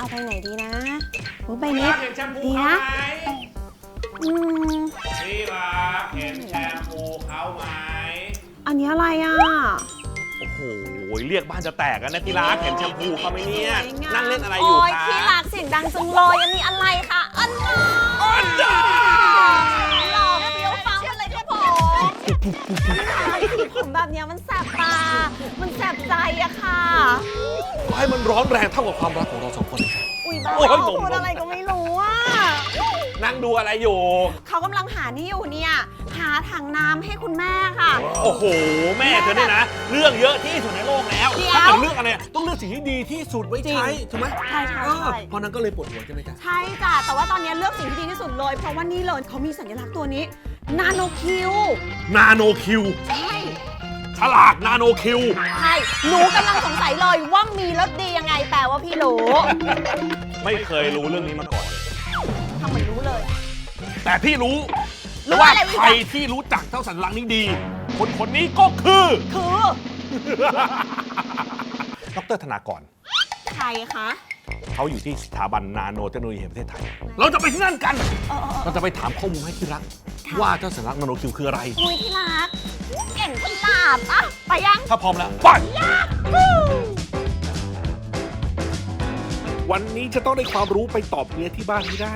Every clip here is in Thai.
เอาไปไหนดีนะไปนี้เห็นแชมพูดีเขานะไหม ที่รักเห็นแชมพูเขาไหมอันนี้อะไรอ่ะโอ้โหเรียกบ้านจะแตกกันนะที่รักเห็นแชมพูเขาไหมเนี่ยสวยงามนั่งเล่นอะไรอยู่โอ้ยคะที่รักเสียงดังจังเลยอันนี้อะไรคะอันน่าอันดาหล่อเฟี้ยวฟ้าวอะไรครับผมสีผมแบบเนี้ยมันแสบตา มันแสบใจอะค่ะให้มันร้อนแรงเท่ากับความรักของเราสองคนเลยครับอุ้ยบ้าโอ้ยพูดอะไรก็ไม่รู้อะนั่งดูอะไรอยู่เขากำลังหานี่อยู่เนี่ย หาถังน้ำให้คุณแม่ค่ะโอ้โห แม่เธอเนี่ยนะ เรื่องเยอะที่สุดในโลกแล้วเดี๋ยวถ้าเกิดเรื่องอะไรต้องเลือกสิ่งที่ดีที่สุดไว้ใช้ถูกไหมใช่ใช่เออใช่เพราะนั้นก็เลยปวดหัวใช่ไหมจ๊ะใช่จ้ะ แต่ว่าตอนนี้เลือกสิ่งที่ดีที่สุดเลย เพราะว่านี่เลยเขามีสัญลักษณ์ตัวนี้ นาโนคิวนาโนคิวใช่ฉลากนาโนคิวใช่ หนูกำลังสงสัยเลยว่ามีรสดียังไง แปลว่าพี่รู้ไม่เคยรู้เรื่องนี้มาก่อนเลยทำเหมือนรู้เลยแต่พี่รู้รู้ว่าอะไรรู้ใครที่รู้จักเจ้าสัญลักษณ์นี้ดี คนคนนี้ก็คือคือดร.ธนากรใครคะเขาอยู่ที่สถาบันนาโนเทคโนโลยีแห่งประเทศไทย เราจะไปที่นั่นกัน เราจะไปถามข้อมูลให้ที่รัก ว่าเจ้าสัญลักษณ์นาโนคิวคืออะไรอุ้ยที่รัก เก่งฉลาดอะไปยังถ้าพร้อมแล้วไปวันนี้จะต้องได้ความรู้ไปตอบเมียที่บ้านให้ได้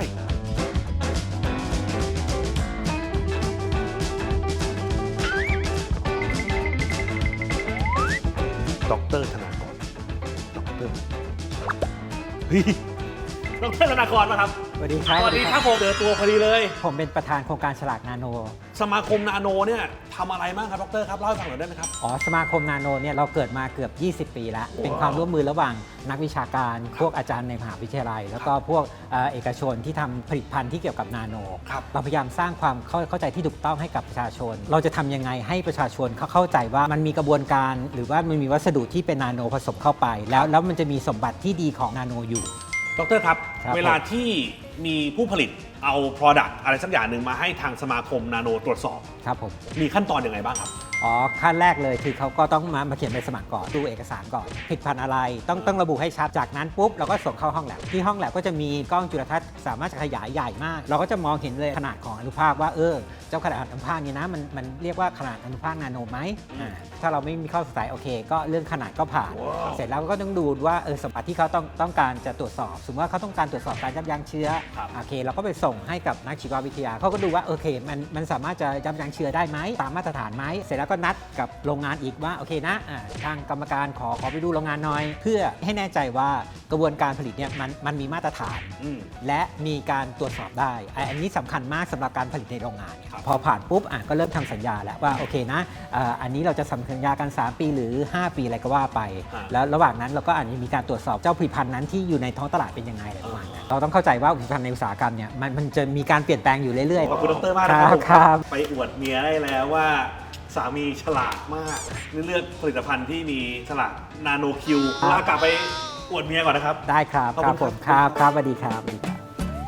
ดร.ธนากร ดร.เฮ้ยดร.ธนากรมาครับสวัสดีครับสวัสดีครับผมเจอตัวพอดีเลยผมเป็นประธานโครงการฉลากนาโนสมาคมนาโนเนี่ยทำอะไรบ้างครับดรครับเล่าให้ฟังหน่อยได้ไหมครับสมาคมนาโนเนี่ยเราเกิดมาเกือบ 20 ปีแล้ว เป็นความร่วมมือระหว่างนักวิชาการ พวกอาจารย์ในมหาวิทยาลัย แล้วก็พวกเอกชนที่ทำผลิตภัณฑ์ที่เกี่ยวกับนาโนครับเราพยายามสร้างความเข้าใจที่ถูกต้องให้กับประชาชน เราจะทำยังไงให้ประชาชนเข้าใจว่ามันมีกระบวนการ หรือว่ามันมีวัสดุที่เป็นนาโนผสมเข้าไป แล้วมันจะมีสมบัติที่ดีของนาโนอยู่ดรครับครับเวลาที่มีผู้ผลิตเอา Product อะไรสักอย่างหนึ่งมาให้ทางสมาคมนาโนตรวจสอบครับผมมีขั้นตอนยังไงบ้างครับขั้นแรกเลยคือเขาก็ต้องมาเขียนใบสมัครก่อนดูเอกสารก่อนผลิตภัณฑ์อะไรต้องระบุให้ชัดจากนั้นปุ๊บเราก็ส่งเข้าห้องแลบที่ห้องแลบก็จะมีกล้องจุลทรรศน์สามารถจะขยายใหญ่มาก เราก็จะมองเห็นเลยขนาดของอนุภาคว่าเจ้าขนาดอนุภาคนี้นะมันเรียกว่าขนาดอนุภาคนาโนไหมถ้าเราไม่มีข้อสงสัยโอเคก็เรื่องขนาดก็ผ่าน เสร็จแล้วก็ต้องดูว่าสมบัติที่เขาต้องการจะตรวจสอบสมมติว่าเขาต้องการตรวจสอบการยับยั้งเชื้อครับโอเคเราก็ไปส่งให้กับนักชีววิทยาเขาก็ดูว่าโอเคมันสามารถจะยับยั้งเชื้อได้ไหมตามมาตรฐานไหมเสร็จแล้วก็นัดกับโรงงานอีกว่าโอเคนะทางกรรมการขอไปดูโรงงานหน่อย เพื่อให้แน่ใจว่ากระบวนการผลิตเนี่ยมันมีมาตรฐาน และมีการตรวจสอบได้อันนี้สำคัญมากสำหรับการผลิตในโรงงานเนี่ยครับพอผ่านปุ๊บก็เริ่มทำสัญญาแล้วว่าโอเคนะอันนี้เราจะทำสัญญากัน 3 ปีหรือ 5 ปีอะไรก็ว่าไป แล้วระหว่างนั้นเราก็อาจจะมีการตรวจสอบเจ้าผลิตภัณฑ์นั้นที่อยู่ในท้องตลาดเป็นยังไงอะไรประมาณนั้นเราต้องเข้าใจว่าผลิตภัณฑ์ในอุตสาหกรรมเนี่ยมันจะมีการเปลี่ยนแปลงอยู่เรื่อยๆขอบคุณดรมากนะคครัรับบ ครับไปอวดเมียได้แล้วว่าสามีฉลาดมากเลือกผลิตภัณฑ์ที่มีฉลากนาโนคิวครับแล้วกลับไปอวดเมียก่อนนะครับได้ครับขอบคคุรับณผมครับครับสวัสดีครับสวัสดีครับ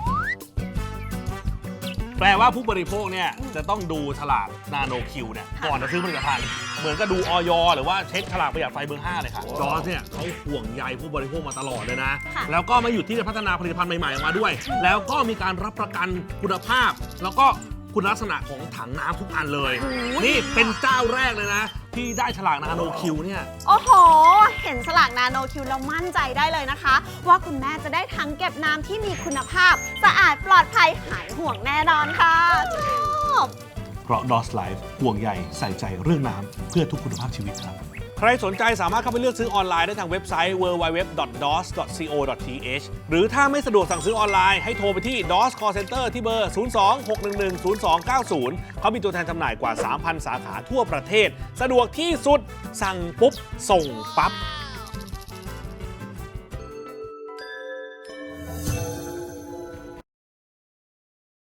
แปลว่าผู้บริโภคเนี่ยจะต้องดูฉลากนาโนคิวเนี่ยก่อนจะซื้อผลิตภัณฑ์เหมือนกับดูออยหรือว่าเช็คฉลากประหยัดไฟเบอร์ 5 เลยค่ะจอร์จเนี่ยเขาห่วงใยผู้บริโภคมาตลอดเลยนะค่ะแล้วก็มาอยู่ที่จะพัฒนาผลิตภัณฑ์ใหม่ๆออกมาด้วย แล้วก็มีการรับประกันคุณภาพ แล้วก็คุณลักษณะของถังน้ำทุกอันเลย นี่เป็นเจ้าแรกเลยนะ ที่ได้ฉลากนาโนคิวเนี่ยโอ้โห เห็นสลากนาโนคิวแล้วมั่นใจได้เลยนะคะ ว่าคุณแม่จะได้ถังเก็บน้ำที่มีคุณภาพ สะอาดปลอดภัยหายห่วงแน่นอนค่ะชอบเพราะ DOS Life ห่วงใยใส่ใจเรื่องน้ำเพื่อทุกคุณภาพชีวิตครับ ใครสนใจสามารถเข้าไปเลือกซื้อออนไลน์ได้ทางเว็บไซต์ www.dos.co.th หรือถ้าไม่สะดวกสั่งซื้อออนไลน์ให้โทรไปที่ DOS Call Center ที่เบอร์ 02-611-0290 เขามีตัวแทนจำหน่ายกว่า 3,000 สาขาทั่วประเทศ สะดวกที่สุดสั่งปุ๊บ ส่งปั๊บ